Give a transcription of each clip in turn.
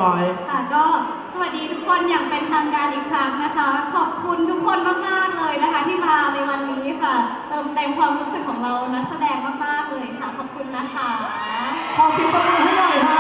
ร้อยค่ะก็สวัสดีทุกคนอย่างเป็นทางการอีกครั้งนะคะ ขอบคุณทุกคนมากๆเลยนะคะที่มาในวันนี้ค่ะ เติมเต็มความรู้สึกของเรานักแสดงมากๆเลยค่ะขอบคุณนะคะขอเสียงปรบมือให้หน่อยฮะ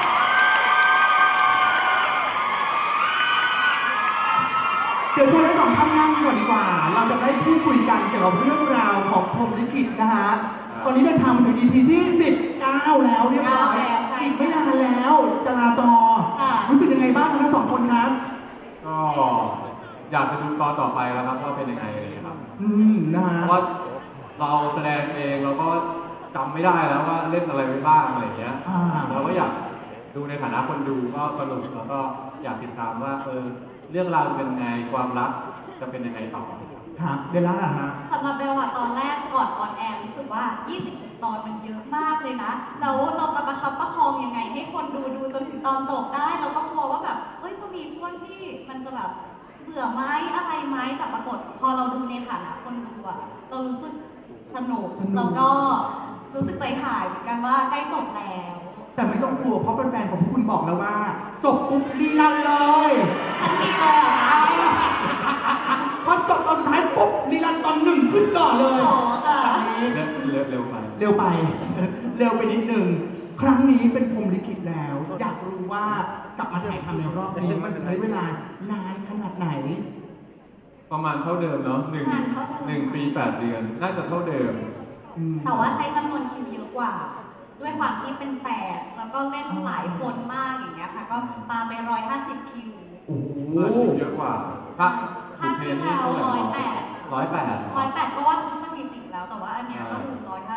เดี๋ยวเชิญทั้งสองท่านนั่งก่อนดีกว่า เราจะได้พูดคุยกันเกี่ยวกับเรื่องราวของพรหมลิขิตนะฮะตอนนี้เดินทางมาถึง EP ที่ 19 แล้วเรียบร้อยอีกไม่นานแล้วจราจรรู้สึกยังไงบ้างทั้งสองคนครับก็อยากจะดูตอนต่อไปแล้วครับว่าเป็นยังไงอะไรอย่างเงี้ยครับนะฮะเพราะว่าเราแสดงเองเราก็จำไม่ได้แล้วว่าเล่นอะไรไว้บ้างอะไรอย่างเงี้ยเราก็อยากดูในฐานะคนดูก็สนุกแล้วก็อยากติดตามว่าเรื่องราวจะเป็นยังไงความรักจะเป็นยังไงต่อครับเบลล่าล่ะฮะสำหรับเบลอะตอนแรกก่อนออนแอร์รู้สึกว่า 20 ตอนมันเยอะมากเลยนะแล้วเราจะประคับประคองยังไงให้คนดูจนถึงตอนจบได้เราก็กลัวว่าแบบจะมีช่วงที่มันจะแบบเบื่อไหมอะไรไหมแต่ปรากฏพอเราดูในฐานะคนดูอะเรารู้สึกสนุกแล้วก็รู้สึกใจหายเหมือนกันว่าใกล้จบแล้วแต่ไม่ต้องกลัวเพราะแฟนๆของพวกคุณบอกแล้วว่า จบปุ๊บรีรันเลยทันทีเลยเหรอคะพอจบตอนสุดท้ายปุ๊บรีรันตอนหนึ่งขึ้นก่อนเลยโอ้ค่ะอันนี้เร็วไปเร็วไป เร็วไปนิดนึงครั้งนี้เป็นพรหมลิขิตแล้ว อยากรู้ว่ากลับมาถ่ายทำในรอบนี้มันใช้เวลานานขนาดไหนประมาณเท่าเดิมเนาะ1 ปี 8 เดือนน่าจะเท่าเดิมแต่ว่าใช้จำนวนคิวเยอะกว่า ด้วยความที่เป็นแฝดแล้วก็เล่นหลายคนมากอย่างเงี้ยค่ะก็ปาไป150 คิวโอ้โหเยอะกว่าถ้าที่เรา108 108 ก็ว่าทุกสถิติแล้วแต่ว่าอันเนี้ยก็คือ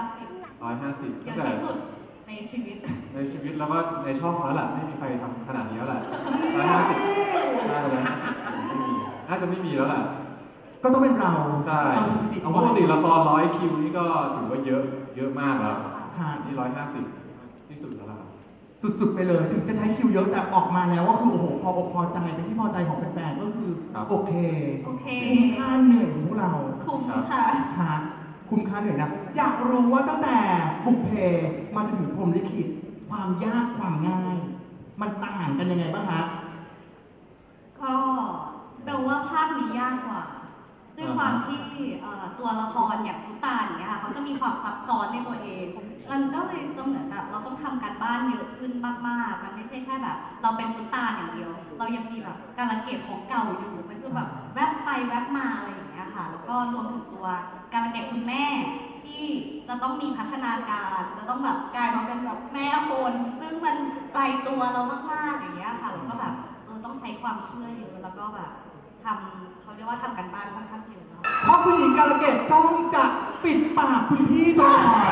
150 เยอะที่สุดในชีวิตในชีวิตแล้วก็ในช่องแล้วแหละไม่มีใครทำขนาดนี้แล้วแหละ150น่าจะไม่มีแล้วแหละก็ต้องเป็นเราใช่เอาสถิติเอาปไว้กติละคร100 คิวนี่ก็ถือว่าเยอะมากแล้วฮะนี่150ที่สุดแล้วครับสุดๆไปเลยถึงจะใช้คิวเยอะแต่ออกมาแล้วก็คือโอ้โหพออกพอใจเป็นที่พอใจของแฟนๆก็คือครับโอเคโอเคคุ้มค่าเหนื่อยของพวกเราคุ้มค่ะฮะคุ้มค่าเหนื่อยนะอยากรู้ว่าตั้งแต่บุกเพมาจนถึงพรหมลิขิตความยากความง่าย มันต่างกันยังไงบ้างฮะก็เบลว่าภาคนี้ยากกว่า ด้วยความที่ตัวละครอย่างพุตานอย่างเงี้ยค่ะเขาจะมีความซับซ้อนในตัวเอง มันก็เลยจะเหมือนแบบเราต้องทำการบ้านเยอะขึ้นมากๆ มันไม่ใช่แค่แบบเราเป็นพุตานอย่างเดียว เรายังมีแบบการละเกดของเก่าอยู่ มันจะแบบแวบไปแวบมาอะไรอย่างเงี้ยค่ะ แล้วก็รวมถึงตัวการละเกดคุณแม่ที่จะต้องมีพัฒนาการ จะต้องแบบกลายมาเป็นแบบแม่คน ซึ่งมันไกลตัวเรามากๆอย่างเงี้ยค่ะ แล้วก็แบบต้องใช้ความเชื่อเยอะแล้วก็แบบเขาเรียกว่าทำกันบ้านค่อนข้างเยอะเนาะเพราะคุณหญิงกาลเกตจ้องจะปิดปากคุณพี่ตลอด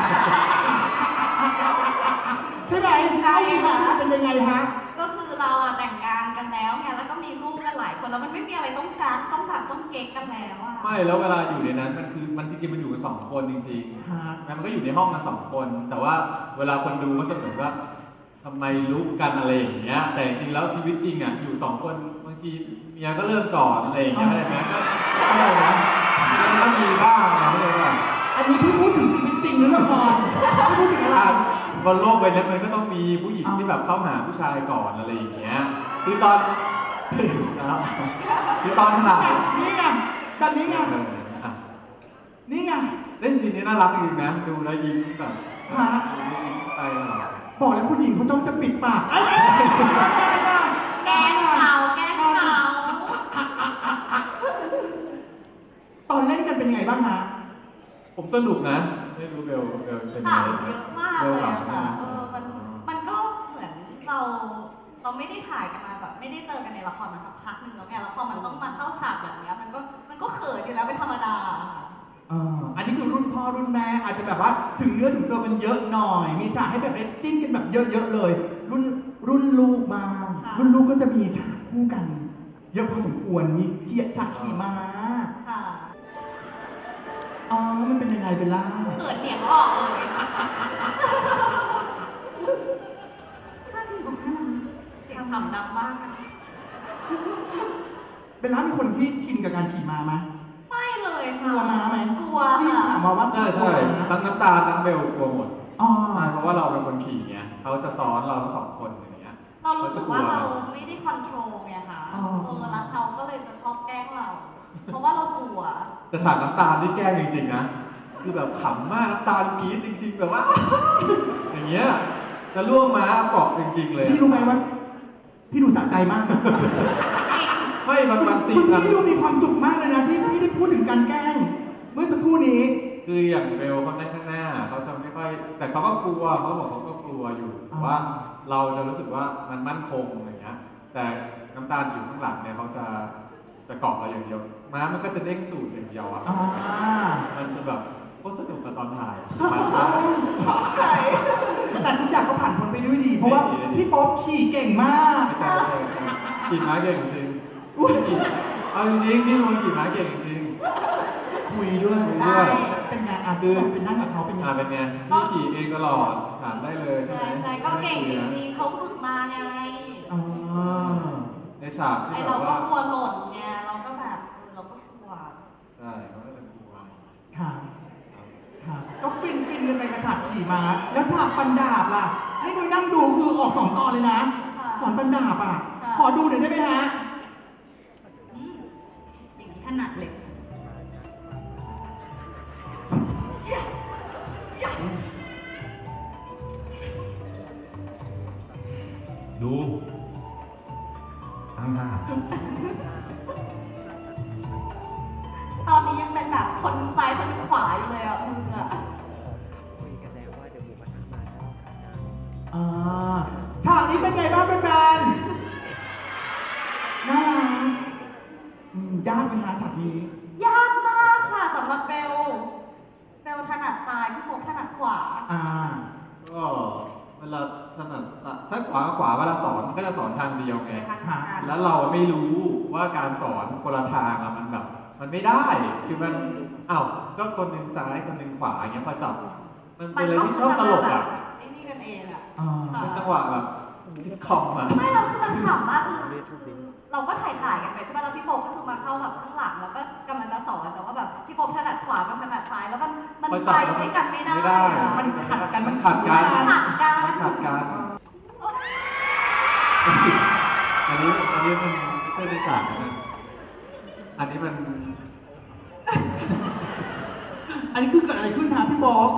ใช่ไหมใช่ค่ะเป็นยังไงฮะก็คือเราอะแต่งงานกันแล้วไงแล้วก็มีลูกกันหลายคนแล้วมันไม่มีอะไรต้องการต้องแบบต้องเก๊กกันแล้วอะไม่แล้วเวลาอยู่ในนั้นมันจริงๆมันอยู่กัน2 คนจริงฮะๆมันก็อยู่ในห้องกัน2 คน แต่ว่าเวลาคนดูก็จะเหมือนว่าทำไมลุกกันอะไรอย่างเงี้ยแต่จริงๆแล้วชีวิตจริงอ่ะอยู่2 คนบางทีเมียก็เริ่มก่อนอะไรอย่างเงี้ยอะไรนะก็อะไรนะมันก็มีบ้างนะเลยว่าอันนี้พี่พูดถึงชีวิตจริงหรือละครพี่พูดถึงอะไรบนโลกใบนี้มันก็ต้องมีผู้หญิงที่แบบเข้าหาผู้ชายก่อนอะไรอย่างเงี้ยคือตอนนะครับคือตอนถ่ายนี่ไงแบบนี้ไงอ่ะนี่ไงเล่นซีนนี้น่ารักจริงนะดูแล้วยิ้มแบบฮะไปตลอดบอกแล้วคุณหญิงเขาจ้องจะปิดปากไอ้แกล้งเขาแกล้งเขาตอนเล่นกันเป็นยังไงบ้างฮะผมสนุกนะไม่รู้เบลเป็นไงข่าวเยอะมากเลยอะค่ะเบลมันก็เหมือนเราไม่ได้ถ่ายกันมาแบบไม่ได้เจอกันในละครมาสักพักหนึ่งแล้วไงแล้วพอมันต้องมาเข้าฉากแบบเนี้ยมันก็เขินอยู่แล้วเป็นธรรมดาค่ะอันนี้คือรุ่นพ่อรุ่นแม่อาจจะแบบว่าถึงเนื้อถึงตัวกันเยอะหน่อย มีฉากให้แบบจิ้นกันแบบเยอะๆเลย รุ่นลูกมารุ่นลูกก็จะมีฉากคู่กัน เยอะพอสมควรมีเชียร์ฉากขี่ม้าค่ะอ๋อมันเป็นยังไงเบลล่าเขินเหนียงออกเลยข้าดีของข้านะเสียงขำดังมากนะคะเบลล่าเป็นคนที่ชินกับการขี่ม้าไหมไม่เลยกค่ะลัวม้าไหมกลัวที่ค่ะถามมาว่าใช่กลัวม้าทั้งน้ำตาลทั้งเบลกลัวหมดอ๋อใช่เพราะว่าเราเป็นคนขี่ไงเขาจะซ้อนเราทั้ง2 คนอย่างเงี้ยเรารู้สึกว่าเราไม่ได้คอนโทรลไงคะอ๋อแล้วเขาก็เลยจะชอบแกล้งเรา เพราะว่าเรากลัวแต่ฉากน้ำตาลนี่แกล้งจริงๆนะ คือแบบขำมากน้ำตาลกรี๊ดจริง ๆ แบบว่า อย่างเงี้ยจะล่วงม้าเกาะจริงๆเลยพี่รู้ไหมว่าพี่ดูสะใจมากนะไม่บางซีคุนณอะพี่ดูมีความสุขมากเลยนะที่พี่ได้พูดถึงการแกล้ง เมื่อสักครู่นี้คืออย่างเบลเขานั่งข้างหน้าเขาจะไม่ค่อย แต่เขาก็กลัวเขาบอกเขาก็กลัวอยู่อ่าว่าเราจะรู้สึกว่ามันมั่นคงอะไรเงี้ยแต่น้ำตาลอยู่ข้างหลังเนี่ยเขาจะเกาะเราอย่างเดียวม้ามันก็จะเด้งตูดอย่างเดียวอ่ะอ่ามันจะแบบโคตรสนุกกับตอนถ่ายใช่แต่ทุกอย่างก็ผ่านพ้นไปด้วยดี เพราะว่าพี่โป๊ปขี่เก่งมากไม่ใช่ขี่ม้าเก่งจริงอุ๊ยเอาจริงๆพี่นวลขี่ม้าเก่งจริงคุยด้วยใช่เป็นไงอ่ะคือเป็นนั่งกับเขาเป็นไงเป็นไงพี่ขี่เองตลอดถามได้เลยใช่ใช่ไหมใช่ก็เก่งจริงๆ เขาฝึกมาไงอ่าในฉากที่ไอแบเราบก็ว่ากลัวหล่นไง เราก็แบบเราก็กลัวใช่เขาก็จะกลัวค่ะค่ะก็ฟินกันไปกระฉากขี่ม้า แล้วฉากฟันดาบล่ะ นี่นุ้ยนั่งดูคือออกสองตอนเลยนะค่ะสอนฟันดาบอ่ะค่ะขอดูหน่อยได้ไหมฮะอืมอย่างนี้ถนัดเลยดูตั้งท่าตอนนี้ยังเป็นแบบคนซ้ายคนขวาอยู่เลยอ่ะมืออ่ะอ่าฉากนี้เป็นไงบ้างแฟนๆน่ารักยากไหมฮะฉากนี้ยากมากค่ะสำหรับเบล เบลถนัดซ้ายพี่โป๊ปถนัดขวาอ่าก็เวลาถนัดถ้าขวาเวลาสอนมันก็จะสอนทางเดียวไงค่ะแล้วเราไม่รู้ว่าการสอนคนละทางอะมันแบบ มันไม่ได้ คือมันอ้าวก็คนหนึ่งซ้ายคนหนึ่งขวาอย่างเงี้ยพอจับ มันมัเป็นนอะไรก็ที่คือชอบจะตมาลกแบอะบไอ้นี่กันเองอ่ะอ่าเป็นจังหวะแบบซิทคอมอะไม่เราคือมันขำมากคือเราก็ถ่ายกันไปใช่ไหมแล้วพี่โป๊ปก็คือมาเข้าแบบข้างหลังแล้วก็กำลังจะสอนแต่ว่าแบบพี่โป๊ปถนัดขวากับถนัดซ้ายแล้วมันพอไปจับแล้วด้วยกันไม่ได้ไม่ได้อะมันขัดกันมันขัดกันขัดกันมันขัดกัน อันนี้มันไม่ใช่ในฉากนะ อันนี้มันอันนี้คือเกิดอะไรขึ้นฮะพี่โป๊ป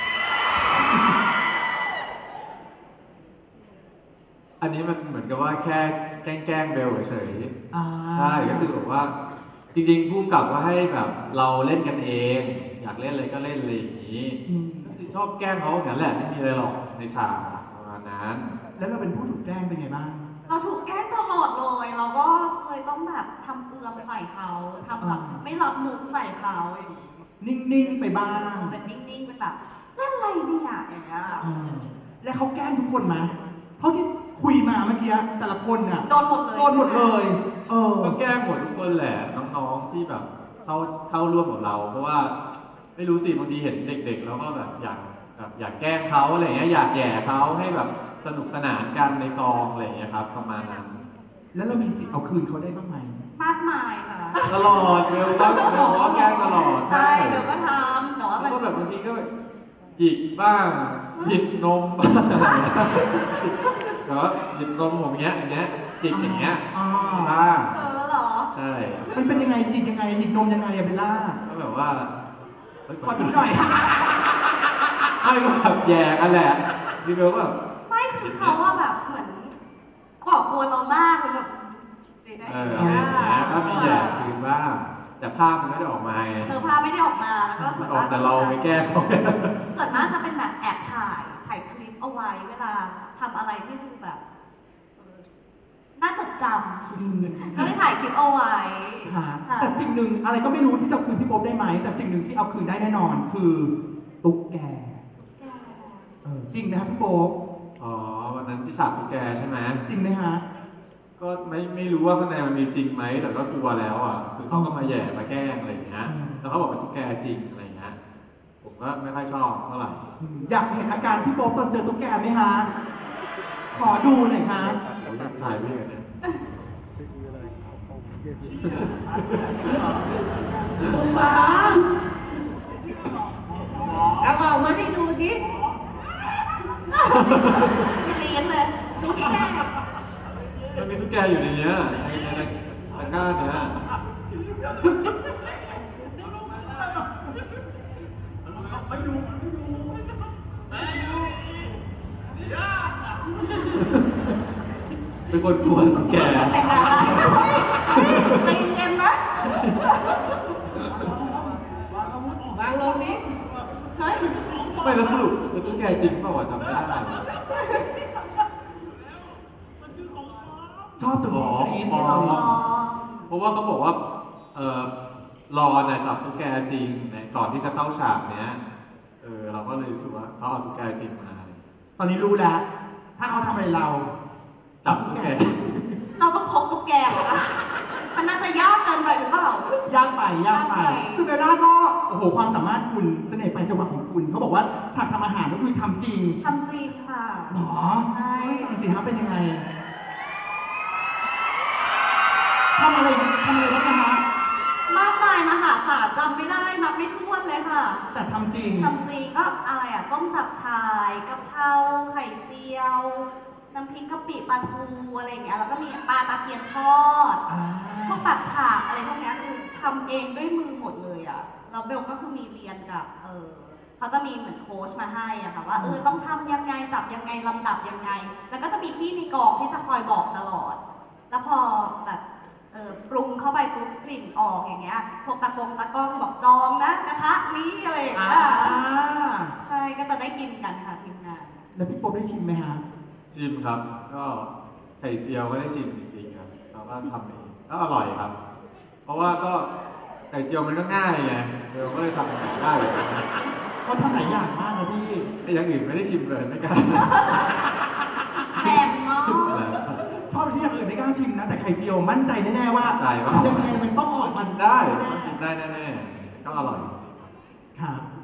อันนี้มันเหมือนกับว่าแค่แกล้งเบลเฉยอ่าๆใช่ก็คือแบบว่า จริงๆผู้กำกับว่าให้แบบเราเล่นกันเอง อยากเล่นอะไรก็เล่นอะไรอย่างนี้ ก็คือชอบแกล้งเขาอย่างนั้นแหละไม่มีอะไรหรอกในฉากประมาณนั้นแล้วเราเป็นผู้ถูกแกล้งเป็นไงบ้างเราถูกแกล้งตลอดเลย เราก็เลยต้องแบบทำเอือมใส่เขาทำแบบอ่าไม่รับมุกใส่เขาอย่างนี้นิ่งๆไปบ้างเป็นนิ่งๆเป็นแบบเล่นอะไรเนี่ยอย่างเงี้ยอ่าแล้วเขาแกล้งทุกคนไหมเท่าที่คุยมาเมื่อกี้แต่ละคนเนี่ยโดนหมดเลยโดนหมดเลย เออก็แกล้งหมดทุกคนแหละน้องๆที่แบบเข้าร่วมกับเรา เพราะว่าไม่รู้สิบางทีเห็นเด็กๆแล้วก็แบบอยากแกล้งเขาอะไรเงี้ยอยากแหย่เขาให้แบบสนุกสนานกันในกองอะไรเงี้ยครับ ประมาณนั้นแล้วเรามีสิทธิ์เอาคืนเขาได้บ้างไหมมากมายค่ะตลอดเบลก็แกล้งตลอดใช่เดี๋ยวก็ทำแต่ว่ามันก็แบบบางทีก็หยิกบ้างหยิกนมบ้างอะไรเงี้ยแต่ว่าหยิกนมผมอย่างเงี้ยจิกอย่างเงี้ยอ่าบ้างเหรอใช่มันเป็นยังไงหยิกยังไงหยิกนมยังไงอะเบลล่าก็แบบว่าเฮ้ยขอดูหน่อยไม่ก็แบบแย่กันแหละดีเบลก็แบบไม่คือเขาว่าแบบเหมือนก่อกวนเรามากเลยแบบได้อะไรอย่างเงี้ยก็มีแย่คืนบ้าง แต่ภาพมันไม่ได้ออกมาไงพาไม่ได้ออกมาแล้วก็ส่วนออมาก กแต่เราไปแก้เขาส่วนมากจะเป็นแบบแอบถ่ายคลิปเอาไว้เวลาทำอะไรที่ดูแบบน่าจดจำก็เลยถ่ายคลิปเอาไว้ค่ะค่ะแต่สิ่งหนึ่งอะไรก็ไม่รู้ที่จะเอาคืนพี่โป๊ปได้ไหม แต่สิ่งหนึ่งที่เอาคืนได้แน่นอนคือตุ๊กแก จริงนะครับพี่โป๊ปอ๋อวันนั้นที่ฉากตุ๊กแกใช่ไหมจริงไหมฮะก็ไม่รู้ว่าข้างในมันมีจริงไหมแต่ก็กลัวแล้วอ่ะคือเขาก็มาแย่มาแกล้งอะไรอย่างเงี้ยอืมแล้วเขาบอกเป็นตุ๊กแกจริงอะไรอย่างเงี้ยผมก็ไม่ค่อยชอบเท่าไหร่อยากเห็นอาการพี่โป๊ปตอนเจอตุ๊กแกไหมฮะ ขอดูหน่อยครับผมถ่ายไม่เห็นเนี่ยคุณหมอเอาออกมาให้ดูดิเรียนเลยตุ๊กแกมันมีตุ๊กแกอยู่ในเนี้ยในตะกร้าเนี้ย เป็นคนกลัวตุ๊กแกใจเย็นๆนะวางลงนี้เฮ้ยไม่แล้วสรุปเป็นตุ๊กแกจริงเปล่าวะจำไม่ได้ชอบตัวนี้อ๋อที่เราเพราะว่าเขาบอกว่า รอนน่ะจับตุ๊กแกจริงในก่อนที่จะเข้าฉากเนี้ย เราก็เลยรู้สึกว่าเขาเอาตุ๊กแกจริงมาตอนนี้รู้แล้ว ถ้าเขาทำอะไรเราจับตุ๊กแกเราต้องพกตุ๊กแกเหรอคะมันน่าจะยากเกินไปหรือเปล่ายากไปซึ่งเบลล่าก็ โอ้โห ความสามารถคุณ เสน่ห์ปลายจังหวะของคุณ เขาบอกว่าฉากทำอาหารก็คือทำจริงทำจริงค่ะหรอใช่จริงๆฮะเป็นยังไง ทำอะไรบ้างนะฮะมากมายมหาศาลจำไม่ได้นับไม่ถ้วนเลยค่ะแต่ทำจริงทำจริงก็อะไรอ่ะ ต้มจับชายกะเพราไข่เจียว น้ำพริกกะปิปลาทูอะไรอย่างเงี้ยแล้วก็มีปลาตะเพียนทอด พวกแบบฉากอะไรพวกเนี้ยคือทำเองด้วยมือหมดเลยอ่ะแล้วเบลก็คือมีเรียนกับเขาจะมีเหมือนโค้ชมาให้อ่ะค่ะว่าต้องทำยังไงจับยังไงลำดับยังไง แล้วก็จะมีพี่ในกองที่จะคอยบอกตลอด แล้วพอแบบปรุงเข้าไปปุ๊บกลิ่นออกอย่างเงี้ยพวกตะกล้องบอกจองนะกระทะนี้อะไรอย่างเงี้ยใช่ก็จะได้กินกันค่ะทีมงานแล้วพี่โป๊ปได้ชิมไหมฮะชิมครับ ก็ไข่เจียวก็ได้ชิมจริงๆครับเราก็ทำเองก็อร่อยครับ เพราะว่าก็ไข่เจียวมันก็ง่ายไงเราก็เลยทำได้เลยเขาทำหลายอย่างมากนะพี่ไอ้อย่างอื่นไม่ได้ชิมเลยไม่กล้าแหลมเนาะชอบที่อย่างอื่นไม่กล้าชิมนะ แต่ไข่เจียวมั่นใจแน่ๆว่าใจว่ายังไงมันต้องออกมาได้แน่ได้แน่ๆก็อร่อยจริงๆครับครับ